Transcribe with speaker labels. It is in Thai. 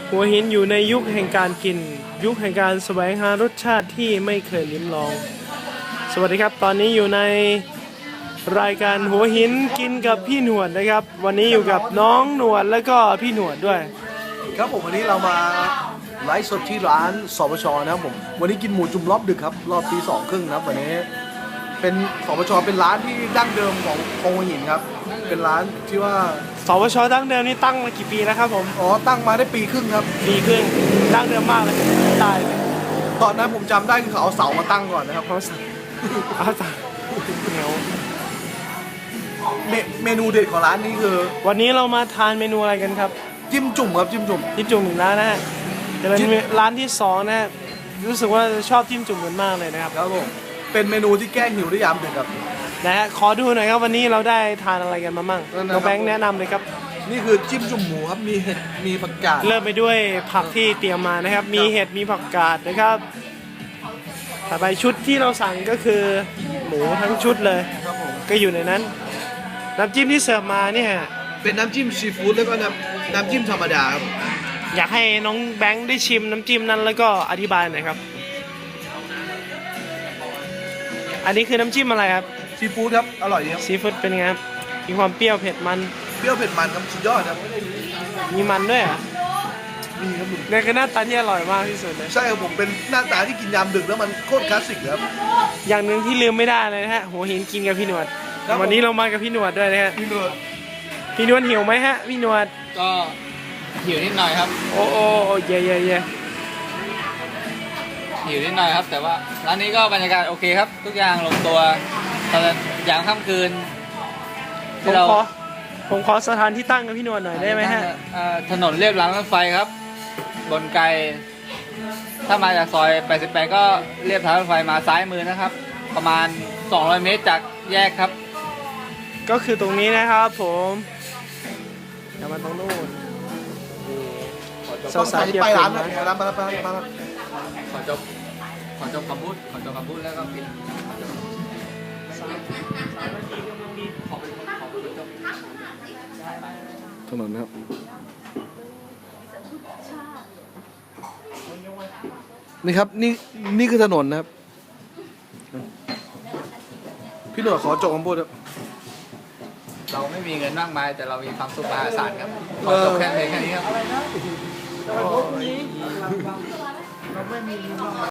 Speaker 1: หัวหินอยู่ในยุคแห่งการกินยุคแห่งการแสวงหารสชาติที่ไม่เคยลิ้มลองสวัสดีครับตอนนี้อยู่ในรายการหัวหินกินกับพี่หนวดนะครับวันนี้อยู่กับน้องหนวดแล้วก็พี่หนวดด้วย
Speaker 2: ครับผมวันนี้เรามาไลฟ์สดที่ร้านสปชนะครับผมวันนี้กินหมูจุ่มรอบดึกครับรอบตี 2:30นะครับวันนี้เป็นสปชเป็นร้านที่ดั้งเดิมของหัวหินครับเป็นร้านที่ว่า
Speaker 1: สปชดั้งเดิมนี่ตั้งมากี่ปีแล้วครับผม
Speaker 2: ตั้งมาได้ปีครึ่งครับ
Speaker 1: ปีครึ่งดั้งเดิมมากเลยตายเลย
Speaker 2: ตอนนั้นผมจำได้คือเขาเอาเสามาตั้งก่อนนะครับ
Speaker 1: เอาเสาเหนียว
Speaker 2: เมนูเด็ดของร้านนี้คือ
Speaker 1: วันนี้เรามาทานเมนูอะไรกันครับ
Speaker 2: จิ้มจุ่มครับจิ้มจุ่ม
Speaker 1: อีกแล้วนะฮะจะเป็นร้านที่2นะฮะรู้สึกว่าชอบจิ้มจุ่มกันมากเลยนะครับ
Speaker 2: ครับผมเป็นเมนูที่แก้หิวได้ยามดึกครับ
Speaker 1: นะฮะขอดูหน่อยครับวันนี้เราได้ทานอะไรกันมามั่งน้องแบงค์แนะนำเลยครับ
Speaker 2: นี่คือจิ้มจุ่มหมูครับมีเห็ดมีผักกาด
Speaker 1: เริ่มไปด้วยผักที่เตรียมมานะครับมีเห็ดมีผักกาดนะครับต่อไปชุดที่เราสั่งก็คือหมูทั้งชุดเลยก็อยู่ในนั้นน้ำจิ้มที่เสิร์ฟมาเนี่ย
Speaker 2: เป็นน้ำจิ้มซีฟู้ดแล้วก็น้ำจิ้มธรรมดาครับ
Speaker 1: อยากให้น้องแบงค์ได้ชิมน้ำจิ้มนั้นแล้วก็อธิบายหน่อยครับอันนี้คือน้ำจิ้มอะไรครับ
Speaker 2: ซีฟู้ดครับอร่อยดีครับ
Speaker 1: ซีฟู้ดเป็นไงครับมีความเปรี้ยวเผ็ดมัน
Speaker 2: เปรี้ยวเผ็ดมันครับสุดยอดครับ
Speaker 1: มีมันด้วยอ่ะ
Speaker 2: มีครับ
Speaker 1: ในก็หน้าตาที่อร่อยมากที่สุดเลย
Speaker 2: ใช่ครับผมเป็นหน้าตาที่กินยามดึกแล้วมันโคตรคลาสสิกครับ
Speaker 1: อย่างหนึ่งที่ลืมไม่ได้เลยนะฮะหัวหินกินกับพี่หนวดวันนี้เรามากับพี่หนวดด้วยนะฮะพี่หนวดหิวไหมฮะพี่หนวด
Speaker 3: ก็หิวนิดหน่อยครับ
Speaker 1: โอ้เย่
Speaker 3: หิวนิดหน่อยครับแต่ว่าร้านนี้ก็บรรยากาศโอเคครับทุกอย่างลงตัวตอนยามค่ำคืน
Speaker 1: ผมขอสถานที่ตั้งกับพี่หนวดหน่อยได้ไหมฮะ
Speaker 3: ถนนเลียบรางรถไฟครับบนไกลถ้ามาจากซอย88ก็เลียบทางรถไฟมาซ้ายมือนะครับประมาณ200 เมตรจากแยกครับ
Speaker 1: ก็คือตรงนี้นะครับผมอย่ามาตรงนู้น
Speaker 2: สาวๆไปร้านนะมา
Speaker 3: ขอจบคำพูดแล้วก็ปิด
Speaker 2: ถนนครับนี่ครับนี่คือถนนนะครับพี่หนวดขอจบคำพูดครับ
Speaker 3: เราไม่มีเงินมากมายแต่เรามีความสุขมหาศาลครับขอจบแค่นี้ครับ